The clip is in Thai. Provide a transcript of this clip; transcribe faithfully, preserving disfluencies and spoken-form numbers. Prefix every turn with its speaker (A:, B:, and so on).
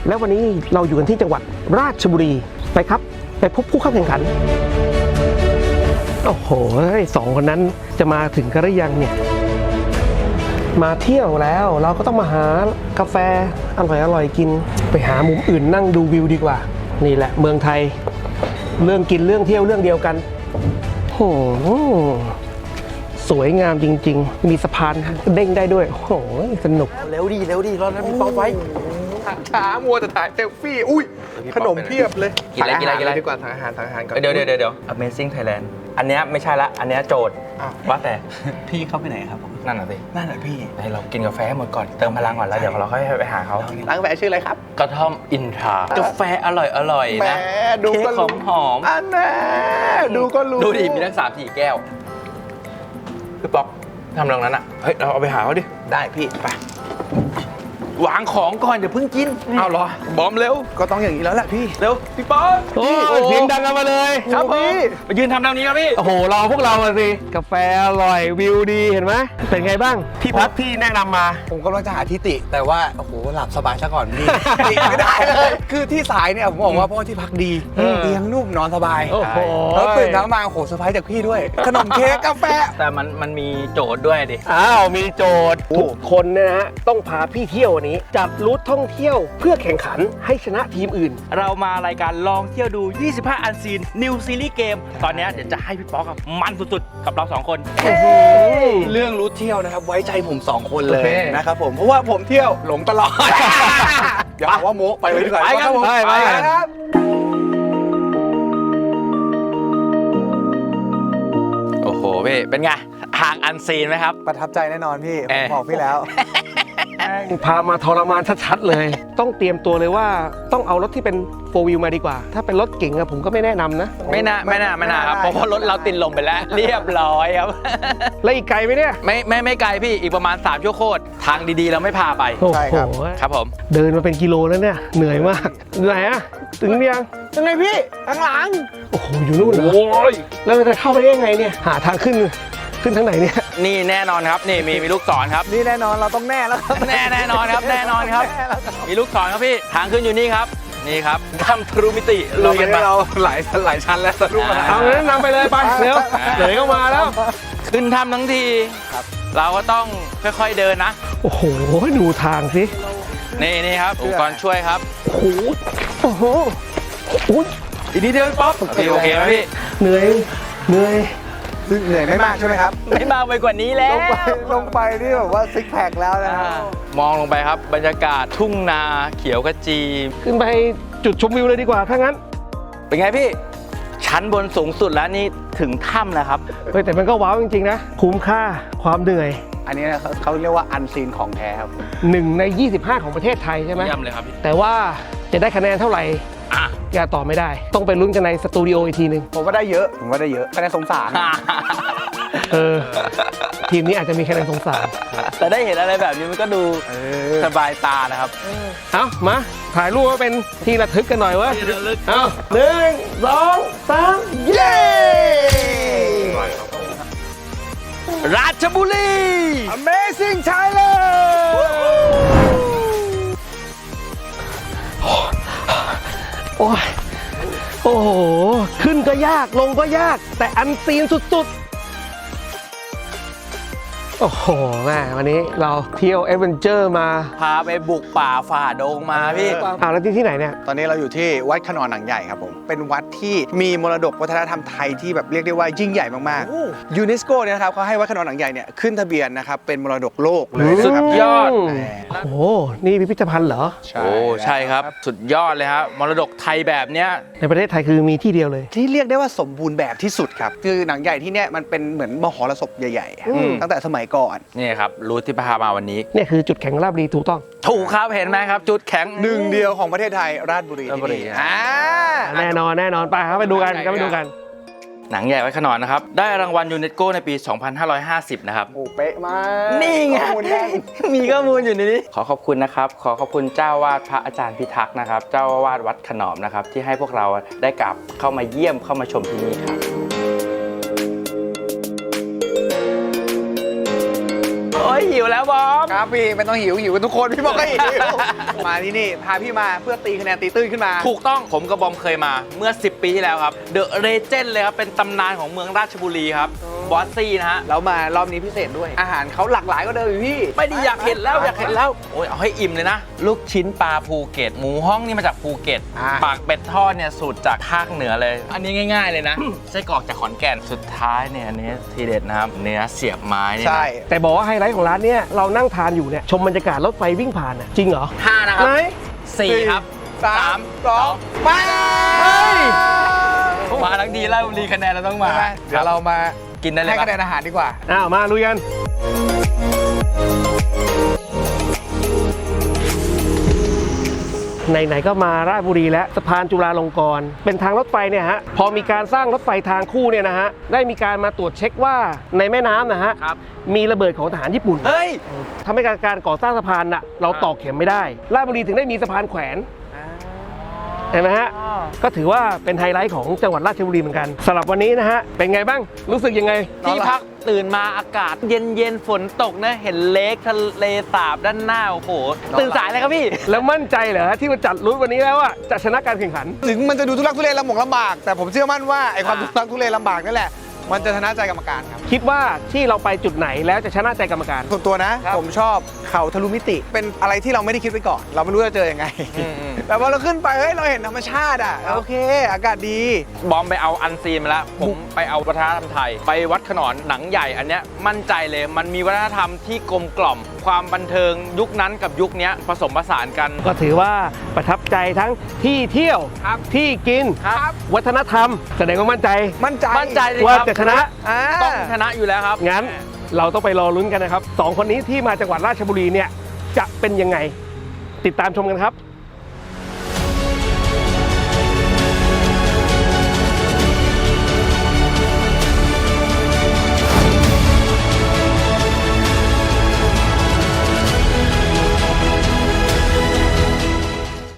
A: แล้ววันนี้เราอยู่กันที่จังหวัดราชบุรีไปครับไปพบผู้เข้าแข่งขันโอ้โหสองคนนั้นจะมาถึงกันหรือยังเนี่ยมาเที่ยวแล้วเราก็ต้องมาหากาแฟอร่อยอร่อยกินไปหามุมอื่นนั่งดูวิวดีกว่านี่แหละเมืองไทยเรื่องกินเรื่องเที่ยวเรื่องเดียวกันโอ้โหสวยงามจริงๆมีสะพานเด้งได้ด้วยโอ้โหสนุกเร็วดีเร็วดีรอแล้วพี่ป๊อปไว้ช้ามัวแต่ถ่ายเซลฟี่อุ้ยขนมเพียบเลย
B: กินอะไรกินอะไรกินอะไร
A: ดีกว่าทางอาหารทางอาหารก่อน
B: เดี๋ยวเดี๋ยวเดี๋ยว Amazing Thailand อันเนี้ยไม่ใช่ละอันเนี้ยโจทย์ว่าแต่
C: พี่เข้าไปไหนครับผม
B: นั่นน่ะสิ
C: นั่นแหละพี่
B: ให้เรากินกาแฟให้หมดก่อนเติมพลังก่อนแล้วเดี๋ยวเราค่อยไปหาเขา
A: ร้านกาแฟชื่ออะไรครับ
B: กระท่อมอินทรากาแฟอร่อยอร่อย
A: แหม
B: นะ
A: ดู
B: เค้
A: ก็
B: กหอ
A: รู้
B: มหอม
A: อันน่ะดูก็รู้
B: ดูดิมีทั้งสามสี่แก้วพี่ป๊อกทำตรงนั้นอ่ะเฮ้ยเราเอาไปหาเขาดิ
A: ได้พี่ไป
B: วางของก่อนอย่าเพิ่งกินเอาเหรอบอมเร็ว
A: ก็ต้องอย่างนี้แล้วแหละพี่
B: เร็วพี่ป๊อก
A: โอ้เสียงดังกันมาเลย
B: ครับผม
A: พี่
B: ไปยืนทำตรงนี้ครับพี่
A: โอ้โหรอพวกเราสิกาแฟอร่อยวิวดีเห็นไหมเป็นไงบ้างที่พักที่แนะนำมา
C: ผมกำลังจะหาที่ติแต่ว่าโอ้โหหลับสบายซะก่อนพี่ ติไม่ได้เลยคือที่สายเนี่ยผมบอกว่าเพราะว่าที่พักดี
A: เออ
C: เตียงนุ่มนอนสบาย
A: โอ้โห
C: แล้วตื่นเช้ามาโอ้โหเซอร์ไพรส์จากพี่ด้วย ขนมเค้กกาแฟ
B: แต่มันมันมีโจทย์ด้วยดิ
A: อ้าวมีโจทย์
C: โอ้
A: ทุกคนเนยนะฮะต้องพาพี่เที่ยววันนี้จัดรูทท่องเที่ยวเพื่อแข่งขันให้ชนะทีมอื่น
B: เรามารายการลองเที่ยวดู ยี่สิบห้า อันซีน New Series Game ตอนนี้เดี๋ยวจะให้พี่ป๊อกกับมันสุดๆ กับเราสองคน
C: เรื่องรู้เที่ยวนะครับไว้ใจผมสองคนเล
A: โอย เค
C: นะครับผมเพราะว่าผมเที่ยวหลงตลอด อย่าหาว่าโม้ไปเลยดีกว่า
B: ไปครับ
C: ผม
A: ไปไป
C: ครับ
B: โอ้โหพี่เป็นไงทางอันซีนไหมครับ
C: ประทับใจแน่นอนพี่
B: เอ่
C: ผ
B: อ
C: มบอกพี่แล้ว
A: พามาทรมานชัดๆเลย ต้องเตรียมตัวเลยว่าต้องเอารถที่เป็นโฟร์วิวมาดีกว่า ถ้าเป็นรถเก๋งอะผมก็ไม่แนะนำนะ
B: ไม่น่าไม่น่าไม่น่าครับเพราะว่ารถเราติดลมไปแล้ว เรียบร้อยครับ
A: แล้วอีกไกลไหมเนี่ย
B: ไม่ไม่ไม่ไกลพี่อีกประมาณสามชั่วโคตรทางดีๆ เราไม่พาไป
A: โอ้
C: ใช่
A: โห
C: ครับ
B: ครับผม
A: เดินมาเป็นกิโลแล้วเนี่ยเหนื่อยมากไหนอะถึงยัง
C: ยังไงพี่ข้างหลัง
A: โอ้โหอยู่นู่นเหรอแล้วเราจะเข้าไปได้ยังไงเนี่ยหาทางขึ้นขึ้นทางไหนเนี่ย
B: นี่แน่นอนครับนี่มีมีลูกศรครับ
C: นี่แน่นอนเราต้องแน่แล้วครับ
B: แน่แน่นอนครับแน่นอนครับ
C: แน่แล้วครับ
B: มีลูกศรครับพี่ทางขึ้นอยู่นี่ครับนี่ครับทำทรูมิติ
C: ลุ
B: ลุ
C: ย
B: ย
C: กั
B: กัน น
C: ไป
B: มา
C: เราหลายหลายชั้นแล้วสรุปมา
A: เอางั้นนำไปเลยไปเร็วเดี๋ยวก็มาแล้ว
B: ขึ้นทำทั้งที เราก็ต้องค่อยๆเดินนะ
A: โอ้โหดูทางสิ
B: นี่นี่ครับอุปกรณ์ช่วยครับ
A: โอ้โหโอ้โหอุ๊ย
B: อีกนิดเดียวป๊อปโอเคโอเคไหมพี่
A: เหนื่อยเหนื่อย
C: ซึ่งเหนื่อยไม่มากใช่ไหมครับ
B: ไม่มาไปกว่านี้แล้
C: ล
B: ว
C: งไปลงไปนี่แบบว่าซิกแพคแล้วนะ
B: อ่ามองลงไปครับบรรยากาศทุ่งนาเขียวขจี
A: ขึ้นไปจุดชมวิวเลยดีกว่าถ้างั้น
B: เป็นไงพี่ ชั้นบนสูงสุดแล้วนี่ถึงถ้ำนะครับ
A: เฮ้ยแต่มันก็ว้าวจริงๆนะคุ้มค่าความเหนื่อย
C: อันนี้เขาเขาเรียกว่าอันซีนของแท้ครับ
A: หนึ่งในยี่สิบห้าของประเทศไทยใช่ไหม
B: เยี่ยมเลยครับพี่
A: แต่ว่าจะได้คะแนนเท่าไหร่
B: อ่ะ
A: อย่าตอบไม่ได้ ต้องไปลุ้นกันในสตูดิโออีกทีหนึ่ง
C: ผมว่าได้เยอะ ผมว่าได้เยอะคะแนนสงสาร
A: เออทีมนี้อาจจะมีคะแนนสงสาร
B: แต่ได้เห็นอะไรแบบนี้มันก็ดู
C: เออ
B: สบายตานะครับ
A: เอามาถ่ายรูปมาเป็นที่ระทึกกันหน่อยเวะ
B: ที่ระลึก
A: เอาหนึ่งสองสามเย้
B: ราชบุรี
C: Amazing Thailand
A: โอ้ยโอ้โหขึ้นก็ยากลงก็ยาก แต่อันซีนสุดๆ โอ้โหแม่วันนี้เราเที่ยวเอเวนเจอร์มา
B: พาไปบุกป่าฝ่าดงมาพี่
A: อ้าวแล้วที่ที่ไหนเนี่ย
C: ตอนนี้เราอยู่ที่วัดขนอนหนังใหญ่ครับผม เป็นวัดที่มีมรดกวัฒนธรรมไทยที่แบบเรียกได้ว่ายิ่งใหญ่มากๆยูเนสโกเนี่ยนะครับเขาให้วัดขนอนหนังใหญ่เนี่ยขึ้นทะเบียนนะครับเป็นมรดกโลกเลย
B: สุ
C: นะค
B: ด
C: รับ
B: ยอด
A: โอ้โห นี่พิพิธภัณฑ์เหรอ
C: ใช่
B: โอ้ใช่ครับ สุดยอดเลยครับมรดกไทยแบบเนี้ย
A: ในประเทศไทยคือมีที่เดียวเลย
C: ที่เรียกได้ว่าสมบูรณ์แบบที่สุดครับ คือหนังใหญ่ที่เนี่ยมันเป็นเหมือนมหรสพใหญ่
A: อืม
C: ๆ ตั้งแต่สมัยก่อน
B: นี่ครับรูทที่พามาวันนี้
A: เนี่ยคือจุดแข็งราบรีถูกต้อง
B: ถูกครับเห็นไหมครับ จุดแข็ง
C: หนึ่งเดียวของประเทศไทยราชบุรี
B: ราชบุรี
C: ที่นี่
B: อ่า
A: แน่นอนแน่นอนไปครับไปดูกันก็ไปดูกัน
B: หนังใหญ่ไว้ขนอนนะครับ ได้รางวัลยูเนสโกในปี สองพันห้าร้อยห้าสิบ นะครับ
C: โอ้เป๊ะมาก
B: นี่ไง
C: ข้อมูลแน่น
B: มีข้อมูลอยู่ในนี้ ขอขอบคุณนะครับ ขอขอบคุณเจ้าวาดพระอาจารย์พิทักษ์นะครับ เจ้าวาดวัดขนอมนะครับ ที่ให้พวกเราได้กลับเข้ามาเยี่ยมเข้ามาชมที่นี่ครับโอ้ยหิวแล้วบอม
C: ครับพี่ไม่ต้องหิวหิวกันทุกคนพี่บอกก็หิว มาที่นี่พาพี่มาเพื่อตีคะแนนตีตื้นขึ้นมา
B: ถูกต้องผมกับบอมเคยมาเมื่อ สิบ ปีที่แล้วครับเดอะเรเจนด์เลยครับเป็นตำนานของเมืองราชบุรีครับบอสซี่นะฮะ
C: แล้วมารอบนี้พิเศษด้วย อาหารเขาหลากหลายก็เดิมอยู่พี่
B: ไม่ได้อยากเห็นแล้วอยากเห็นแล้วโอ้ยเอาให้อิ่มเลยนะ ลูกชิ้นปลาภูเก็ต หมูฮ้องนี่มาจากภูเก็ต
C: อ่า
B: ปากเป็ดทอดเนี่ยสูตรจากภาคเหนือเลย อันนี้ง่าย ๆเลยนะไส้กรอกจากขอนแก่นสุดท้ายเนี่ยอันนี้ทีเด็ดนะครับเนื้อเสียบไม้เนี่ยนะ
C: ใช่
A: แต่บอกว่าไฮไลท์ของร้านเนี้ยเรานั่งทานอยู่เนี่ยชมบรรยากาศรถไฟวิ่งผ่านน่ะจริงเหรอ
B: ห้านะครับ
A: ไหน
B: สี่ครับ
C: สามสองมา
A: เฮ้ย
B: มาทั้งดีแล้วรีคะแนนเราต้องมา
C: เดี๋ยวเรามา
B: กินได้เลย
C: ให้
B: ปะ
C: คะแนนอาหารดีกว่า
A: อ้าวมาลุยกันไหนๆก็มาราชบุรีแล้วสะพานจุฬาลงกรณ์เป็นทางรถไฟเนี่ยฮะพอมีการสร้างรถไฟทางคู่เนี่ยนะฮะได้มีการมาตรวจเช็คว่าในแม่น้ำนะฮะ
B: ครับ
A: มีระเบิดของทหารญี่ปุ่น
B: เฮ้ย
A: ทำให้การการก่อสร้างสะพานน่ะเราตอกเข็มไม่ได้ราชบุรีถึงได้มีสะพานแขวนเห็นไหมฮะก็ถือว่าเป็นไฮไลท์ของจังหวัดราชบุรีเหมือนกันสำหรับวันนี้นะฮะเป็นไงบ้างรู้สึกยังไง
B: ที่พักตื่นมาอากาศเย็นเย็นๆฝนตกนะเห็นเลคทะเลสาบด้านหน้าโอ้โหตื่นสายเลยครับพี่
A: แล้วมั่นใจเหรอที่มาจัดรุ่นวันนี้แล้วว่าจะชนะการแข่งขัน
C: ถึงมันจะดูทุลักทุเลลำบากลำบาก แต่ผมเชื่อมั่นว่าไอ้ความทุลักทุเลลำบากนั่นแหละมันจะชนะใจกรรมการครับ
A: คิดว่าที่เราไปจุดไหนแล้วจะชนะใจกรรมการ
C: ส่วนตัวนะ
B: ครับ
C: ผมชอบเขาทะลุมิติ เป็นอะไรที่เราไม่ได้คิดไว้ก่อน เราไม่รู้จะเจอยังไง
B: อืม
C: แต่พอเราขึ้นไปเฮ้ยเราเห็นธรรมชาติอ่ะโอเค อากาศดี
B: บอมไปเอาอันซีนมาแล้วผมไปเอาวัฒนธรรมไทย ไปวัดขนอนหนังใหญ่อันเนี้ยมั่นใจเลยมันมีวัฒนธรรมที่กลมกล่อม ความบันเทิงยุคนั้นกับยุคเนี้ยผสมผสานกัน
A: ก็ถือว่าประทับใจทั้งที่เที่ยว
C: ครับ
A: ที่กิน
B: ครับ
A: วัฒนธรรม แสดงว่ามั่นใจ
C: มั่นใจ
B: มั่นใจเลย
A: ว่า
B: ครับ
A: จะชนะ
C: อ่า
B: ต้องชนะอยู่แล้วครับ
A: งั้นเราต้องไปรอลุ้นกันนะครับสองคนนี้ที่มาจังหวัดราชบุรีเนี่ยจะเป็นยังไง ติดตามชมกันครับ